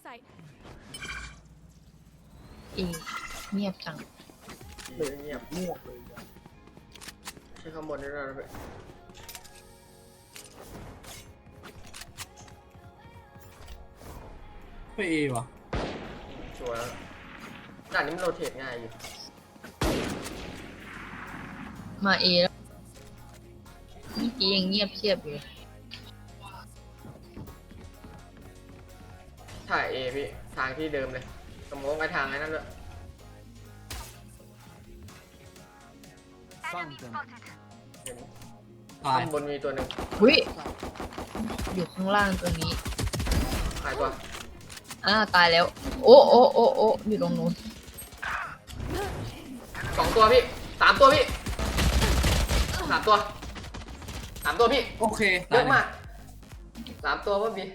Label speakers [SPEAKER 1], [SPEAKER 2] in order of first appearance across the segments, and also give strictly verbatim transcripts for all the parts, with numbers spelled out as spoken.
[SPEAKER 1] sight.
[SPEAKER 2] อีเงียบจัง
[SPEAKER 3] เลยเงียบมั่วเลยใช้ข้างบนได้แล้วนะ
[SPEAKER 4] ไปเอวะ
[SPEAKER 3] ชัวร์แล้วด่านนี้มันโรเทตง่ายอยู่
[SPEAKER 2] มาเอแล้วเมื่อกี้ยังเงียบเชียบอยู่
[SPEAKER 3] ถ่ายเอพี่ทางที่เดิมเลยสมมติไปทางไอ้นั่นเลย
[SPEAKER 5] Found them.
[SPEAKER 3] เห็น
[SPEAKER 4] ตาย
[SPEAKER 3] ข้างบนมีตัวหนึ่ง
[SPEAKER 2] อุ้ยอยู่ข้างล่างตัวนี้
[SPEAKER 3] หายตัว
[SPEAKER 2] อ่าตายแล้ว โอ้โอ้โอ้โอ้อยู่ตรงนู้น
[SPEAKER 3] สองตัวพี่สามตัวพี่สามตัวสามตัวพี่
[SPEAKER 4] โอเค
[SPEAKER 3] เยอะมากสามตัวพ่อบี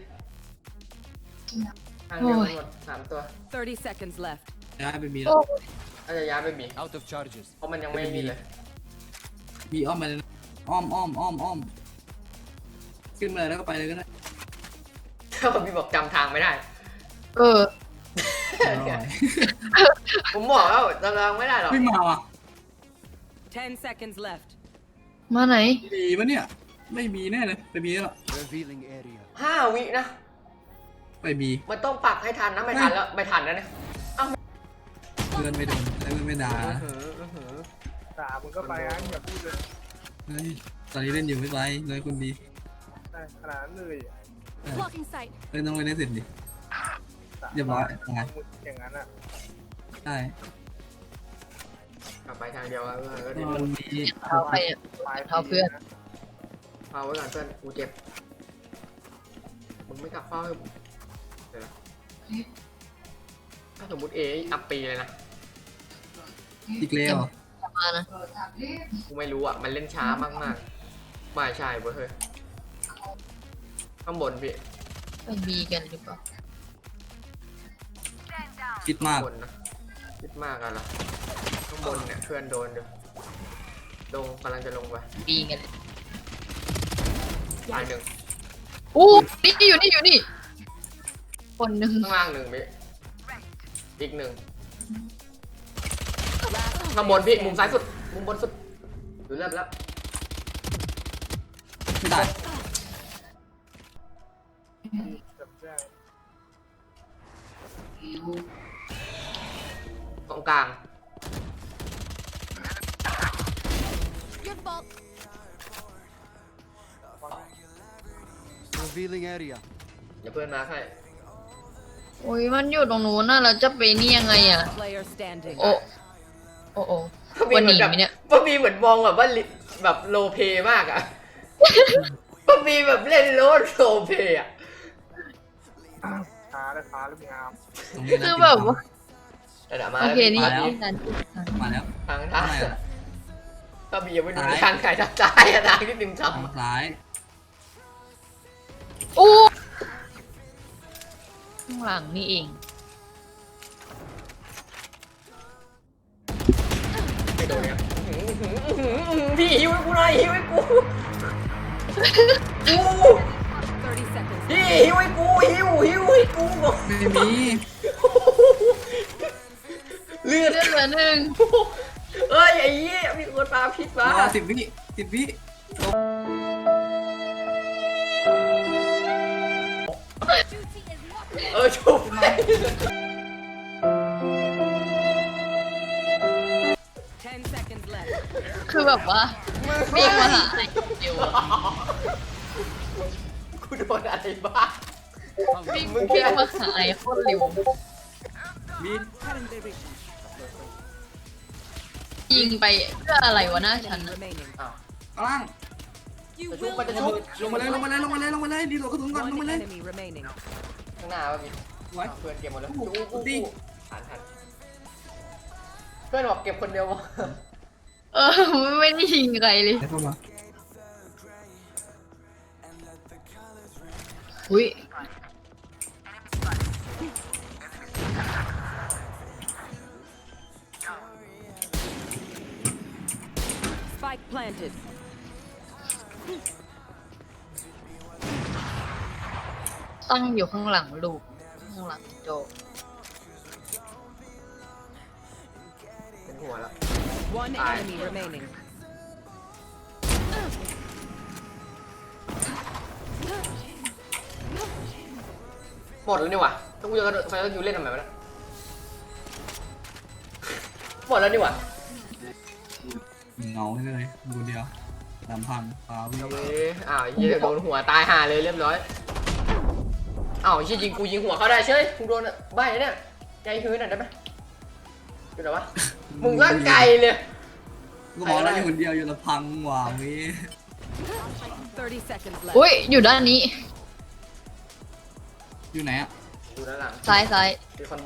[SPEAKER 3] ทางเดียวกันหมดสามตัว
[SPEAKER 1] thirty seconds left.
[SPEAKER 4] ย้ายไปบีแล้
[SPEAKER 2] โอ้
[SPEAKER 4] ว
[SPEAKER 3] อาจจะย้ายไปบี
[SPEAKER 5] Out of charges.
[SPEAKER 3] เพราะมันยังไม่มีเลย
[SPEAKER 4] บีอ้อมไปเลยนะอ้อมอ้อมอ้อมอ้อมขึ้นมาเลยแล้วก็ไปเลยก็ได้
[SPEAKER 3] ถ้าพ่อบีบอกจำทางไม่ได้
[SPEAKER 2] เออ
[SPEAKER 4] อร่อย
[SPEAKER 3] ผมบอกแล้วจำทางไม่ได้หรอก
[SPEAKER 4] ไม่มาว่ะ
[SPEAKER 1] ten seconds left.
[SPEAKER 2] มาไหน
[SPEAKER 4] บีปะเนี่ยไม่มีแน่เลยไปบีแล้ว
[SPEAKER 5] Revealing area.
[SPEAKER 3] ห้าวินะ
[SPEAKER 4] ไปบี
[SPEAKER 3] มันต้องปักให้ทันนะไม่ทันแล้วไม่ทันแล้วเนี่ย
[SPEAKER 4] เพื่อนไม่โดนเพื่อนไม่ด่า
[SPEAKER 3] อื้อหืออื้อหือ
[SPEAKER 6] ด่ามึงก็ไปอ่ะอย่าพูดเลย
[SPEAKER 4] เฮ้ยตอนนี้เล่นอยู่ไม่ไรเลยคุณบี
[SPEAKER 6] ได้ขนาดนั้นเลย
[SPEAKER 4] เออ
[SPEAKER 1] Blocking sight.
[SPEAKER 4] เล่นต้องไปเล่นเสร็จดิ เรียบร้อยตาย
[SPEAKER 6] อย่างนั้นอ่ะ
[SPEAKER 4] ใช่
[SPEAKER 3] กลับไปทางเดียวกันก็
[SPEAKER 4] ต
[SPEAKER 3] ดี
[SPEAKER 4] อนนี้
[SPEAKER 2] เท้าใครอ่ะ เท้าเพื่อน
[SPEAKER 3] เฝ้าไว้ก่อนเพื่อนกูเจ็บมึงไม่กลับเฝ้าให้ผมเดี๋ยวนะถ้าสมมติเออัพปีเลยนะ
[SPEAKER 4] อีกแล้ว
[SPEAKER 2] มานะ
[SPEAKER 3] กูไม่รู้อ่ะมันเล่นช้ามากมากๆไม่ใช่เว้ยเฮ้ยข้างบนพี่
[SPEAKER 2] ไปบีกันหรือเปล่า
[SPEAKER 4] คิดมาก
[SPEAKER 3] ข้างบนนะคิดมากอะล่ะข้างบนเนี่ยเพื่อนโดนอยู่ลงกำลังจะลงไป
[SPEAKER 2] บีกันเลย
[SPEAKER 3] ตายหนึ่ง
[SPEAKER 2] อู้นี่อยู่นี่อยู่นี่ คนหนึ่ง
[SPEAKER 3] ข้างล่างหนึ่งพี่อีกหนึ่งข้างบนพี่มุมซ้ายสุดมุมบนสุดดูเริ่มแล้ว
[SPEAKER 4] ไม่ได้
[SPEAKER 6] จำได้
[SPEAKER 3] ตรงกลาง
[SPEAKER 1] Your fault.
[SPEAKER 5] Revealing area.
[SPEAKER 3] เดี๋ยวเพื่อนมาให้
[SPEAKER 2] โอ้ยมันอยู่ตรงนู้นน่ะเราจะไปนี่ยังไงอ่ะ
[SPEAKER 1] Player standing.
[SPEAKER 2] โอ้โอ้โอ้วันหนีไหมเนี่ย
[SPEAKER 3] ป้าบีเหมือนมองแบบว่าลิแบบโลเพมากอะป้าบีแบบเล่นโลดโลเพอะ
[SPEAKER 6] ขาและขาและงาม
[SPEAKER 4] ตรงนี้นะ
[SPEAKER 2] คือแบบว่า
[SPEAKER 3] แต่เดี๋ยวมา
[SPEAKER 2] โอเคนี่
[SPEAKER 4] มาแล้ว
[SPEAKER 2] นี่นัน
[SPEAKER 4] มาแล้ว
[SPEAKER 3] ทางทาง
[SPEAKER 4] ทำไมอะ
[SPEAKER 3] ป้าบียังไม่ดู
[SPEAKER 4] ซ้าย
[SPEAKER 3] ทางไหนทางซ้ายอะทางที่หนึ่งท
[SPEAKER 4] ทางซ้าย
[SPEAKER 2] อู้ข้างหลังนี่เอง
[SPEAKER 3] ำไม่โดนเนี่ยอื้อหืออื้อหืออื้อหือพี่หิวให้กูหน่อยหิวให้กูกู
[SPEAKER 1] thirty seconds.
[SPEAKER 3] พี่หิวให้กูหิวหิวให้กูบอก
[SPEAKER 4] ไม่มี
[SPEAKER 3] เลือด
[SPEAKER 2] เลือดเหลือหนึ่ง
[SPEAKER 3] เอ้ยไอ้เหี้ยมีคนตามพิษมาร
[SPEAKER 4] อสิบวิสิบวิ
[SPEAKER 3] เออชุบเลย
[SPEAKER 1] ten seconds left.
[SPEAKER 2] คือแบบว่าวิ่งมาหาไอ้เดียวอะ
[SPEAKER 3] กูโดนอะไรบ้าง
[SPEAKER 2] วิ่งวิ่งมาหาไอ้โคตรเร็ว
[SPEAKER 4] มี
[SPEAKER 2] ยิงไปเพื่ออะไรวะหน้าฉัน
[SPEAKER 1] Enemy
[SPEAKER 2] น่ะ
[SPEAKER 1] remaining.
[SPEAKER 3] อ้าว
[SPEAKER 4] กลาง
[SPEAKER 1] You
[SPEAKER 3] จะชุบ
[SPEAKER 1] will
[SPEAKER 3] มันจะชุบ
[SPEAKER 4] ลงมาเลยลงมาเลยลงมาเลยลงมาเลยดีโหลดกระสุนก่อนลง
[SPEAKER 1] one
[SPEAKER 4] มาเลย
[SPEAKER 1] enemy remaining.
[SPEAKER 3] ข้างหน้าวะพี่
[SPEAKER 4] ไว้
[SPEAKER 3] อ้าวเพื่อนเก็บหมดแล้ว
[SPEAKER 4] อู้
[SPEAKER 3] กูกู
[SPEAKER 4] ดิ
[SPEAKER 3] กูหันหันเพื่อนบอกเก็บคนเดียววะ
[SPEAKER 2] เออไม่ได้ยิงใครเลย
[SPEAKER 4] เข้ามา
[SPEAKER 2] อุ้ย
[SPEAKER 1] Spike planted.
[SPEAKER 2] ตั้งอยู่ข้างหลังลูกข้างหลังโจ
[SPEAKER 3] เป็นหัวแล้ว
[SPEAKER 1] One
[SPEAKER 3] Aye.
[SPEAKER 1] enemy remaining.
[SPEAKER 3] หมดแล้วนี่หว่าต้องกูจะกระโดดไฟแล้วยูเล่นทำไมวะเนี่ยหมดแล้วนี่หว่า
[SPEAKER 4] เงาให้เลยดูเดียวลำพังฟ้าวิ่ง
[SPEAKER 3] เอาเลยอ้าวเฮียโดนหัวตายห่าเลยเรียบร้อยอ้าวเฮียยิงกูยิงหัวเขาได้เฉยกูโดนใบเนี่ยใจฮื้นหน่อยได้ไหมอยู่ไหนวะมึงร่างไกลเลย
[SPEAKER 4] กูบอกแล้วอยู่คนเดียวอยู่ลำพังหว่ามี
[SPEAKER 1] thirty seconds left.
[SPEAKER 2] อุ้ยอยู่ด้านนี้
[SPEAKER 4] อยู่ไหนอ่ะ
[SPEAKER 3] ดูด้านหลัง
[SPEAKER 2] ซ้ายซ้าย
[SPEAKER 3] มีคอนโบ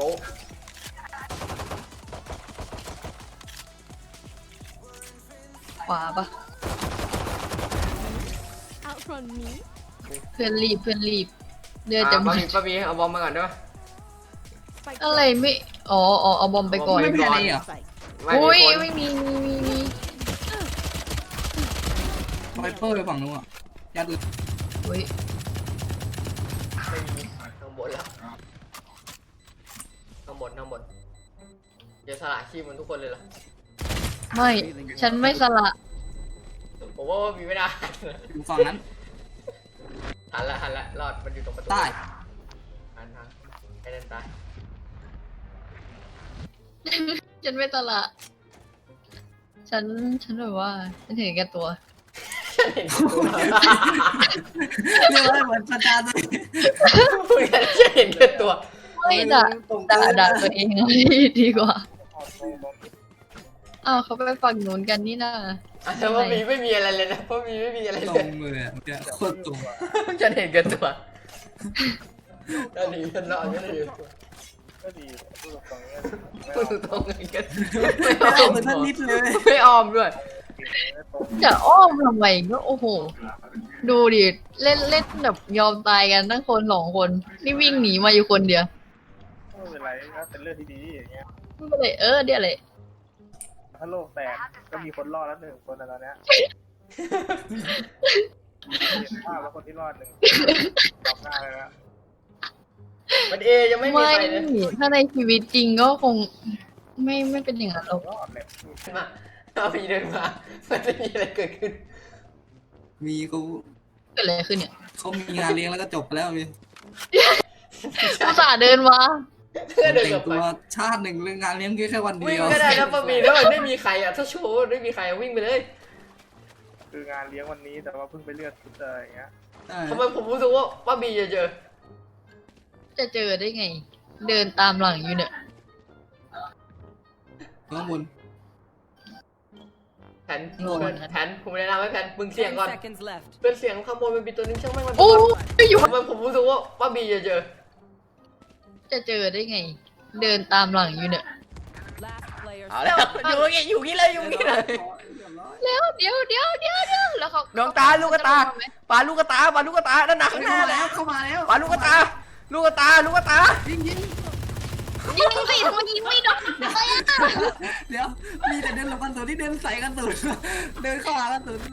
[SPEAKER 2] ขวาปะ
[SPEAKER 1] Outrun me.
[SPEAKER 2] เพื่อนรีบเพื่อนรีบเดือดจะ
[SPEAKER 3] อ่า
[SPEAKER 2] หม
[SPEAKER 3] ป้า
[SPEAKER 2] ด
[SPEAKER 3] บีป้าบีเอาบอมมาก่อนได้ปะ
[SPEAKER 1] Spike
[SPEAKER 2] อะไรไม่อ๋ออ๋อเอาบอมไปก่อน
[SPEAKER 4] ไม่มีอะไรเหรอ
[SPEAKER 1] Spike.
[SPEAKER 3] ไม่
[SPEAKER 2] อุ้ย
[SPEAKER 3] มีคน
[SPEAKER 2] ไม่มีมีมีมี
[SPEAKER 4] ไวเปอร์ไปฝั่งนู้นอ่ะยัดเลย
[SPEAKER 2] อุ้ย
[SPEAKER 3] ไม่มีข้างบนแล้วข้างบนข้างบนเดี๋ยวสละชีพมันทุกคนเลยเหรอ
[SPEAKER 2] ไม่ฉันไม่สละ
[SPEAKER 3] ผมว่ามีไม่ได้
[SPEAKER 4] อยู่ฝั่งนั้น
[SPEAKER 3] หันละหันละรอดมันอยู่ตรงประตู
[SPEAKER 4] ใต้
[SPEAKER 3] หันทางไอ้นั่นตาย
[SPEAKER 2] ฉันไม่สละฉันฉันแบบว่าฉันเห็นแก่ตัว
[SPEAKER 3] ฉันเห็นตัว
[SPEAKER 4] เรียกว่าเหมือนประจานเลย
[SPEAKER 3] พูดกันฉันเห็นแค่ตัว
[SPEAKER 2] ไม่ด่าด่าด่าตัวเองเลยดีกว่า
[SPEAKER 6] ออกโซ่บอม
[SPEAKER 2] อ้าวเขาไปฝั่งนู้นกันนี่นะ
[SPEAKER 3] อ่ะแต่ว่ามีไม่มีอะไรเลยนะเพราะมีไม่มีอะไร
[SPEAKER 4] ตร
[SPEAKER 3] เลย
[SPEAKER 4] งเลยอ่ะเนี่ยโคตรตรง
[SPEAKER 3] ฉันเห็นแค่ตัวนั่นดีฉันรอดฉันเห็นแค่ตัว
[SPEAKER 6] ก็ดีพูดตรงๆเนี้ย
[SPEAKER 3] พูดตรงๆกันไม่
[SPEAKER 4] ไม่
[SPEAKER 3] อ้อ
[SPEAKER 4] เอา
[SPEAKER 3] ม
[SPEAKER 4] เหมือนท่านนิดเลย
[SPEAKER 3] ไม่อ้อมด้วย
[SPEAKER 6] ไม่ตรง
[SPEAKER 2] จะอ้อมทำไมก็โอ้โห ดูดิเล่นเล่นแบบยอมตายกันทั้งคนสองคน นี่วิ่งหนีมาอยู่คนเดียว
[SPEAKER 6] ไม่เป็นไรก็เป็นเรื่องที่ดีอย่างเงี้ย
[SPEAKER 2] ก็เลยเออเดี๋ยวเลย
[SPEAKER 6] ถ้าโลกแตกก็มีคนรอดแล้วหนึ่งคนในตอนเนี้ยเห็นภาพแล้วคนที่รอดหนึ่งตอบหน้าเลยนะ
[SPEAKER 3] มันเอยังไม่มี
[SPEAKER 2] ไม่
[SPEAKER 3] ใครเลย
[SPEAKER 2] ถ้าในชีวิตจริงก็คง ไม่ไม่เป็นอย่างนั้นหรอก
[SPEAKER 6] รอดเลย
[SPEAKER 3] มาเอาพีเดินมามันจะมีอะไรเกิดขึ้น
[SPEAKER 4] มีเขา
[SPEAKER 2] เกิดอะไรขึ้นเนี่ย
[SPEAKER 4] เขามีงานเลี้ยงแล้วก็จบไปแล้วมี
[SPEAKER 2] อุตส่าห์เดินมา
[SPEAKER 3] เพื่อเดิน
[SPEAKER 4] แต่
[SPEAKER 3] กลั
[SPEAKER 4] ง
[SPEAKER 3] บไป
[SPEAKER 4] ตัวชาติหนึ่งเรื่องงานเลี้ยงแค่วันเดี
[SPEAKER 3] วิ่ง
[SPEAKER 4] ยว
[SPEAKER 3] ก็ได้นะป้าบีแล้วมันไม่มีใครอ่ะถ้าโชว์ไม่มีใครอะวิ่งไปเลย
[SPEAKER 6] คืองานเลี้ยงวันนี้แต่ว่าเพิ่งไปเลือดชุดอะไรอย่างเงี้ย
[SPEAKER 4] ใช่
[SPEAKER 3] ทำไมผมรู้สึกว่าป้าบีจะเจอ
[SPEAKER 2] จะเจอได้ไง เดินตามหลังอยู่เนี่ย
[SPEAKER 4] ข้างบน
[SPEAKER 3] แผนแผนผมแนะนำให้แผนมึงเสียง
[SPEAKER 1] Ten
[SPEAKER 3] ก่อน
[SPEAKER 1] seconds left.
[SPEAKER 3] เป็นเสียงข้างบนมันมีตัวนึงช่างแม่งมัน
[SPEAKER 2] โอ้ยอยู่
[SPEAKER 3] ทำไมผมรู้สึกว่าป้าบีจะเจอ
[SPEAKER 2] จะเจอได้ไง เดินตามหลังอยู่เนี่ย
[SPEAKER 1] Last player.
[SPEAKER 3] เอาแล้วอยู่อย่างงี้อยู่อย่างงี้เลยอยู่อย่างงี้เลย
[SPEAKER 2] แล้วเดี๋ยวเดี๋ยวเดี๋ยวเดี๋ยวแล้วเขา
[SPEAKER 3] ดวงตาลูกกระตาปลาลูกกระตาปลาลูกกระตานั่นหนักข้างหน้า
[SPEAKER 4] เข้ามา
[SPEAKER 3] แล้
[SPEAKER 4] แล้ว วเข้ามาแล้ว
[SPEAKER 3] ปลาลูกกระตา ลูกกระตาลูกกระตา
[SPEAKER 4] ยิงยิง
[SPEAKER 2] ยิงสิทำไมยิงไม่โดนเลยอ่ะ
[SPEAKER 4] เดี๋ยวมีแต่เดินหลบกันสุนที่เดินใส่กันสุนเดินเข้าหากันสุน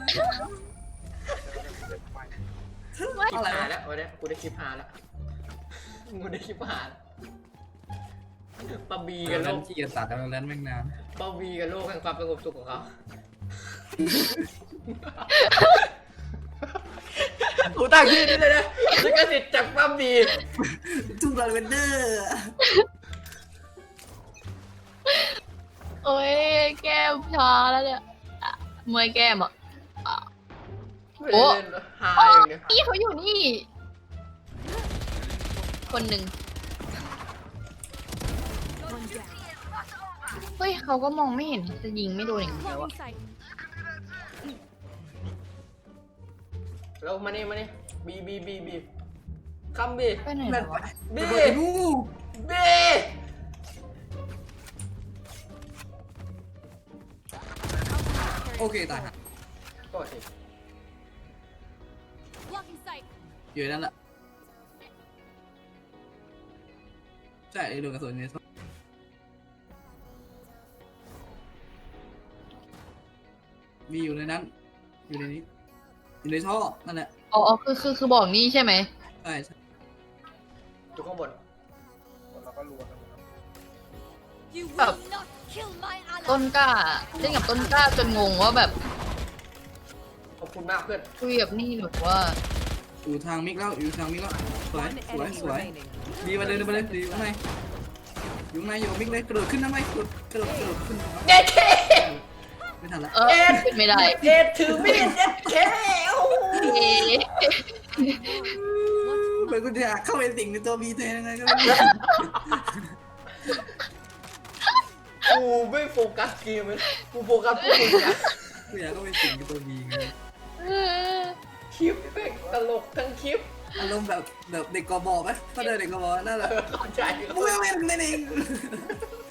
[SPEAKER 3] คลิป
[SPEAKER 4] อะไร
[SPEAKER 3] หาว แล้ววันนี้กูได้คลิปหาแล้วกูได้คลิปหาป้าบีกับโล
[SPEAKER 4] แล้ว
[SPEAKER 3] ก
[SPEAKER 4] ขี้เกียจตัดแล้วแล้วแม่งนาน
[SPEAKER 3] ป้าบีกับโลกแห่งความสงบสุขของเขากูตั้งชื่อนี้เลยนะลิขสิทธิ์จากป้าบี
[SPEAKER 4] ทุกลาเวนเดอร์
[SPEAKER 2] โอ้ยแก้มชาแล้วเนี่ยอ่ะเมื่อยแก้มอ่ะ
[SPEAKER 3] ไม่ได้เล่นหาอย่างเดียว
[SPEAKER 2] นี่เขาอยู่นี่ คนหนึ่งเฮ้ยเขาก็มองไม่เห็นจะยิงไม่โดนอย่างเดียวอะ
[SPEAKER 3] แล้วมานี่มานี่บีบีบีบีคัมบี
[SPEAKER 2] ไปไหน
[SPEAKER 4] นั่น
[SPEAKER 2] วะ
[SPEAKER 3] บี
[SPEAKER 4] ไปดู
[SPEAKER 3] บี
[SPEAKER 4] โอเคตายฮะ
[SPEAKER 3] ก็สิ
[SPEAKER 1] Blocking sight.
[SPEAKER 4] อยู่นั่นแหละใช่โดนกระสุนเนี่ยมีอยู่ในนั้น อยู่ในนี้ อยู่ในท่อนั่นแหละ
[SPEAKER 2] อ๋ออ๋อคือคือคือบอกนี่ใช่ไหม
[SPEAKER 4] ใช่ใช่
[SPEAKER 3] อยู่ข้างบน
[SPEAKER 6] แล้วก็รวมกัน
[SPEAKER 1] You
[SPEAKER 2] Oh.
[SPEAKER 1] will not kill my
[SPEAKER 2] ต้น
[SPEAKER 1] ally.
[SPEAKER 2] กล้าเล่นกับต้นกล้าจนงงว่าแบบ
[SPEAKER 3] ขอบคุณมากเพื่อน
[SPEAKER 2] คุยกับนี่หรือว่า
[SPEAKER 4] อยู่ทางมิกแล้วอยู่ทางมิกแล้วสวย
[SPEAKER 1] One
[SPEAKER 4] สวย
[SPEAKER 1] enemy
[SPEAKER 4] สวย
[SPEAKER 1] remaining.
[SPEAKER 4] ดีมาเลยดีมาเลยดีอยู่ข้างในอยู่ข้างในอยู่กับมิกเลยกระโดดขึ้นนะไหมกระโดดกระโดดกระโดดขึ้น
[SPEAKER 3] เด็ดเค
[SPEAKER 4] ไม่ทันละ
[SPEAKER 2] เออขึ้นไม่ได้
[SPEAKER 3] เด็ดถือมีดเด็ดเคโอ้โห
[SPEAKER 2] เอ๊ะ
[SPEAKER 4] เหมือนกูจะเข้าไปสิงในตัวบีเทยังไงก็ไม่รู้
[SPEAKER 3] กูไม่โฟกัสเกมเลยกูโฟกัสพวกมึงอะ
[SPEAKER 4] กูอยากเข้าไปสิงในตัวบีไง
[SPEAKER 3] คลิปแม่งตลกทั้งคลิป
[SPEAKER 4] อารมณ์แบบแบบเด็กกบไหมถ้าเดินเด็กกบนั่นแหละ
[SPEAKER 3] เข้าใจ
[SPEAKER 4] มึงไม่เป็นเล่นเอง